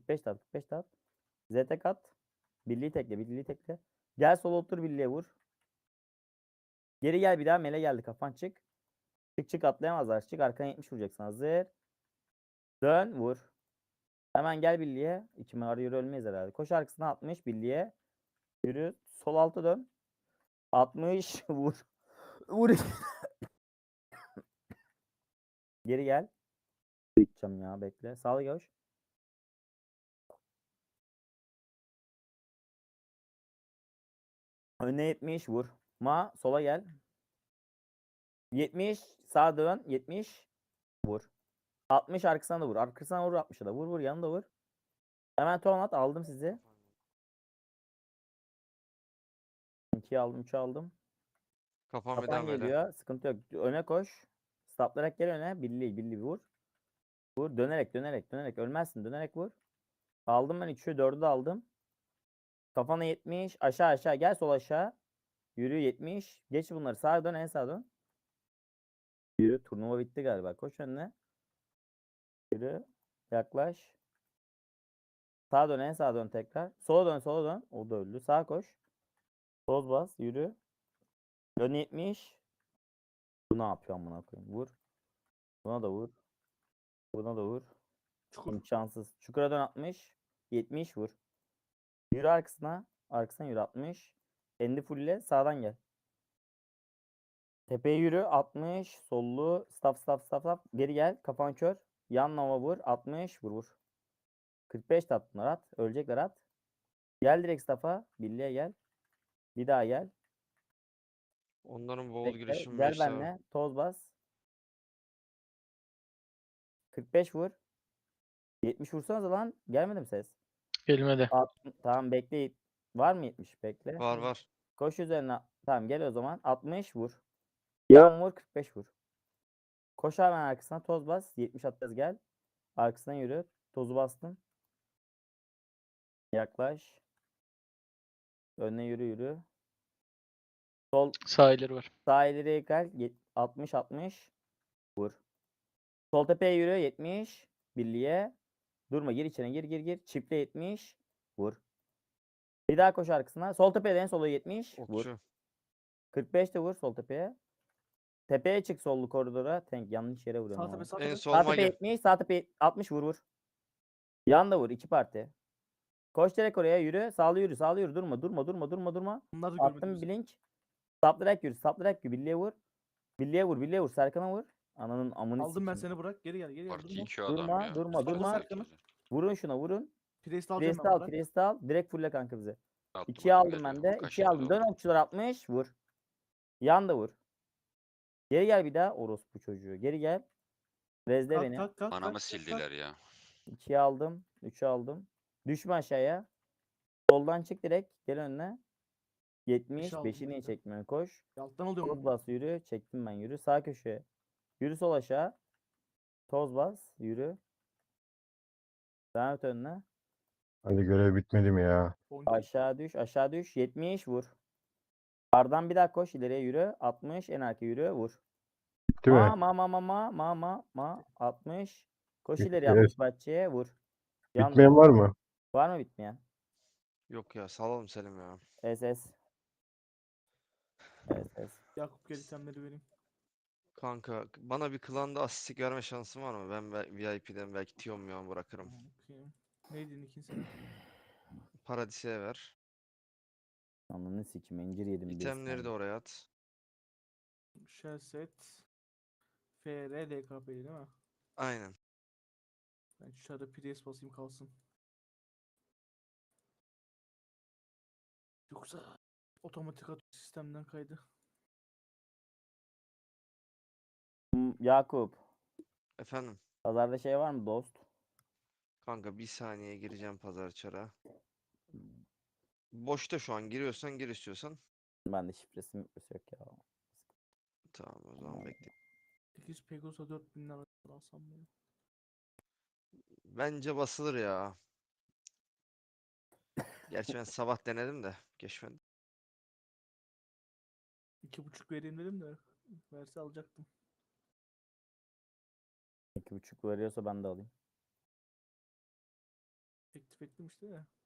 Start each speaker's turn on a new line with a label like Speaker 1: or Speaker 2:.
Speaker 1: 45 tat 45 tat. Z tek at. Birliği tekle birliği tekle. Gel sola otur birliğe vur. Geri gel bir daha mele geldi kafan çık. Çık çık atlayamazlar. Çık arkana 70 vuracaksın hazır. Dön vur. Hemen gel birliğe. İkime arı yürü ölmeyiz herhalde. Koş arkasına 60 birliğe. Yürü. Sol alta dön. 60 vur. Vur. Geri gel. Gideceğim ya bekle. Sağlı koş. Önüne 70 vur. Ma sola gel. 70 sağa dön. 70 vur. 60 arkasına da vur. Arkasına vur 60'a da. Vur vur yanında vur. Hemen ton at. Aldım sizi. 2'yi aldım 3'ü aldım.
Speaker 2: Kafam bir
Speaker 1: Kafan
Speaker 2: daha böyle.
Speaker 1: geliyor. Sıkıntı yok. Öne koş. Staplayarak gel öne. Birliği vur. Vur. Dönerek. Ölmezsin. Dönerek vur. Aldım ben 3'ü 4'ü de aldım. Kafana 70. Aşağı. Gel sol aşağı. Yürü 70. Geç bunları. Sağa dön en sağa dön. Yürü. Turnuva bitti galiba. Koş önüne. Yürü. Yaklaş. Sağa dön en sağa dön tekrar. Sola dön. O da öldü. Sağa koş. Toz bas. Yürü. Dön 70. Bu ne yapıyor amına koyayım? Vur. Buna da vur. Buna da vur.
Speaker 3: Çukur.
Speaker 1: İmkansız. Çukura dön 60. 70 vur. Yürü arkasına. Arkasına yürü 60. Endi fulle sağdan gel. Tepeye yürü 60. Sollu. Staff. Geri gel. Kafan kör. Yan nova vur. 60. Vur. 45 de at bunlar at. Ölecekler at. Gel direkt staff'a. Birliğe gel. Bir daha gel.
Speaker 2: Onların boğul
Speaker 1: Bekle.
Speaker 2: girişim
Speaker 1: Gel
Speaker 2: 5 daha.
Speaker 1: benle. Toz bas. 45 vur. 70 vursanız lan. Gelmedi mi ses?
Speaker 4: Gelmedi.
Speaker 1: Tamam bekle. Var mı 70? Bekle.
Speaker 2: Var.
Speaker 1: Koş üzerine. Tamam gel o zaman. 60 vur. Yan vur 45 vur. Koş hemen arkasına toz bas. 70 atacağız gel. Arkasına yürü. Tozu bastım. Yaklaş. Önüne yürü. Sol
Speaker 4: Sağ ileri var.
Speaker 1: sağ ileriye gel. 60 vur. Sol tepeye yürü 70. Birliğe. Durma gir içine gir. Çiftle 70. Vur. Bir daha koş arkasına. Sol tepeye de en sola 70. Vur.
Speaker 2: Okçu.
Speaker 1: 45 de vur sol tepeye. Tepeye çık sollu koridora. Tank yanlış yere vuruyorum
Speaker 3: Sağ tepe
Speaker 1: ama.
Speaker 3: sağ
Speaker 2: En
Speaker 3: tepe.
Speaker 2: sol
Speaker 1: Sağ tepe
Speaker 2: mage.
Speaker 1: 70. Sağ tepe 60 vur. Yan da vur. 2 parti. Koş direkt oraya yürü. Sağlı yürü. Durma.
Speaker 3: Bunlar da görmedi
Speaker 1: Attım
Speaker 3: bizi.
Speaker 1: blink. Saplayarak yürü. Birliğe vur. Birliğe vur. Serkan'a vur. Ananın amını
Speaker 3: Aldım ben
Speaker 1: sikeyim.
Speaker 3: seni bırak. Geri gel.
Speaker 5: Parti
Speaker 3: Durma.
Speaker 5: 2 adam
Speaker 1: Durma,
Speaker 5: ya.
Speaker 1: durma.
Speaker 3: Solda Serkan'ı.
Speaker 1: Vurun şuna vurun.
Speaker 3: Priest alacağım
Speaker 1: Priest'i
Speaker 3: ben
Speaker 1: al.
Speaker 3: bırak.
Speaker 1: Priest'i al. Direkt fulle kanka bize.
Speaker 5: Attım
Speaker 1: 2'yi
Speaker 5: hadi
Speaker 1: aldım ben
Speaker 5: geliyor.
Speaker 1: de.
Speaker 5: Kaç
Speaker 1: 2'yi
Speaker 5: tane
Speaker 1: aldım. Dön
Speaker 5: kaldı?
Speaker 1: okçular 60. Vur. Yan da vur. Geri gel bir daha. Orospu çocuğu. Geri gel. Rezle beni.
Speaker 3: Kalk.
Speaker 5: Anamı sildiler ya.
Speaker 1: 2'yi aldım. 3'ü aldım. Düşme aşağıya. Soldan çık direkt. Gel önüne. 70.
Speaker 3: aldım
Speaker 1: 5'i niye
Speaker 3: ben de.
Speaker 1: çekmiyorsun? Koş.
Speaker 3: Alttan alıyorum.
Speaker 1: Toz bas yürü. Çektim ben yürü. Sağ köşeye. Yürü sol aşağı. Toz bas. Yürü. Devam et önüne.
Speaker 6: Hadi görev bitmedi mi ya?
Speaker 1: Aşağı düş. 70 vur. Bardan bir daha koş. İleriye yürü. 60. En arka yürü. Vur.
Speaker 6: Bitti mi?
Speaker 1: 60. Koş
Speaker 6: Bitti.
Speaker 1: ileri 60 bahçeye. Vur. Yan
Speaker 6: Bitmeyen var mı?
Speaker 1: var mı bitmeyen?
Speaker 2: Yok ya salalım Selim ya.
Speaker 1: SS. SS.
Speaker 3: Yakup gel itemleri vereyim.
Speaker 2: Kanka bana bir klanda asistik verme şansın var mı? Ben VIP'den belki Tiyomyon bırakırım.
Speaker 3: Bakayım. Neydi Nick'in senin?
Speaker 2: Paradis'e ver.
Speaker 1: Ananı sikim. İncir yedim. bir
Speaker 2: İtemleri de
Speaker 1: saniye.
Speaker 2: oraya at.
Speaker 3: Shell set. FR DKP'ydi değil mi?
Speaker 2: Aynen.
Speaker 3: Ben şurada Priest basayım kalsın. Yoksa otomatik atıyor sistemden kaydı.
Speaker 1: Yakup.
Speaker 2: Efendim.
Speaker 1: Pazarda şey var mı dost?
Speaker 2: Kanka bir saniye gireceğim pazar çara. Boşta şu an giriyorsan gir istiyorsan.
Speaker 1: Ben de şifresi yok ya.
Speaker 2: Tamam o zaman bekle.
Speaker 3: 8 Pegasus'a 4000 lira alsam mı?
Speaker 2: Bence basılır ya. Gerçi ben sabah denedim de geçmedi.
Speaker 3: 2,5 vereyim dedim de verse alacaktım.
Speaker 1: 2,5 veriyorsa ben de alayım.
Speaker 3: ettim işte de.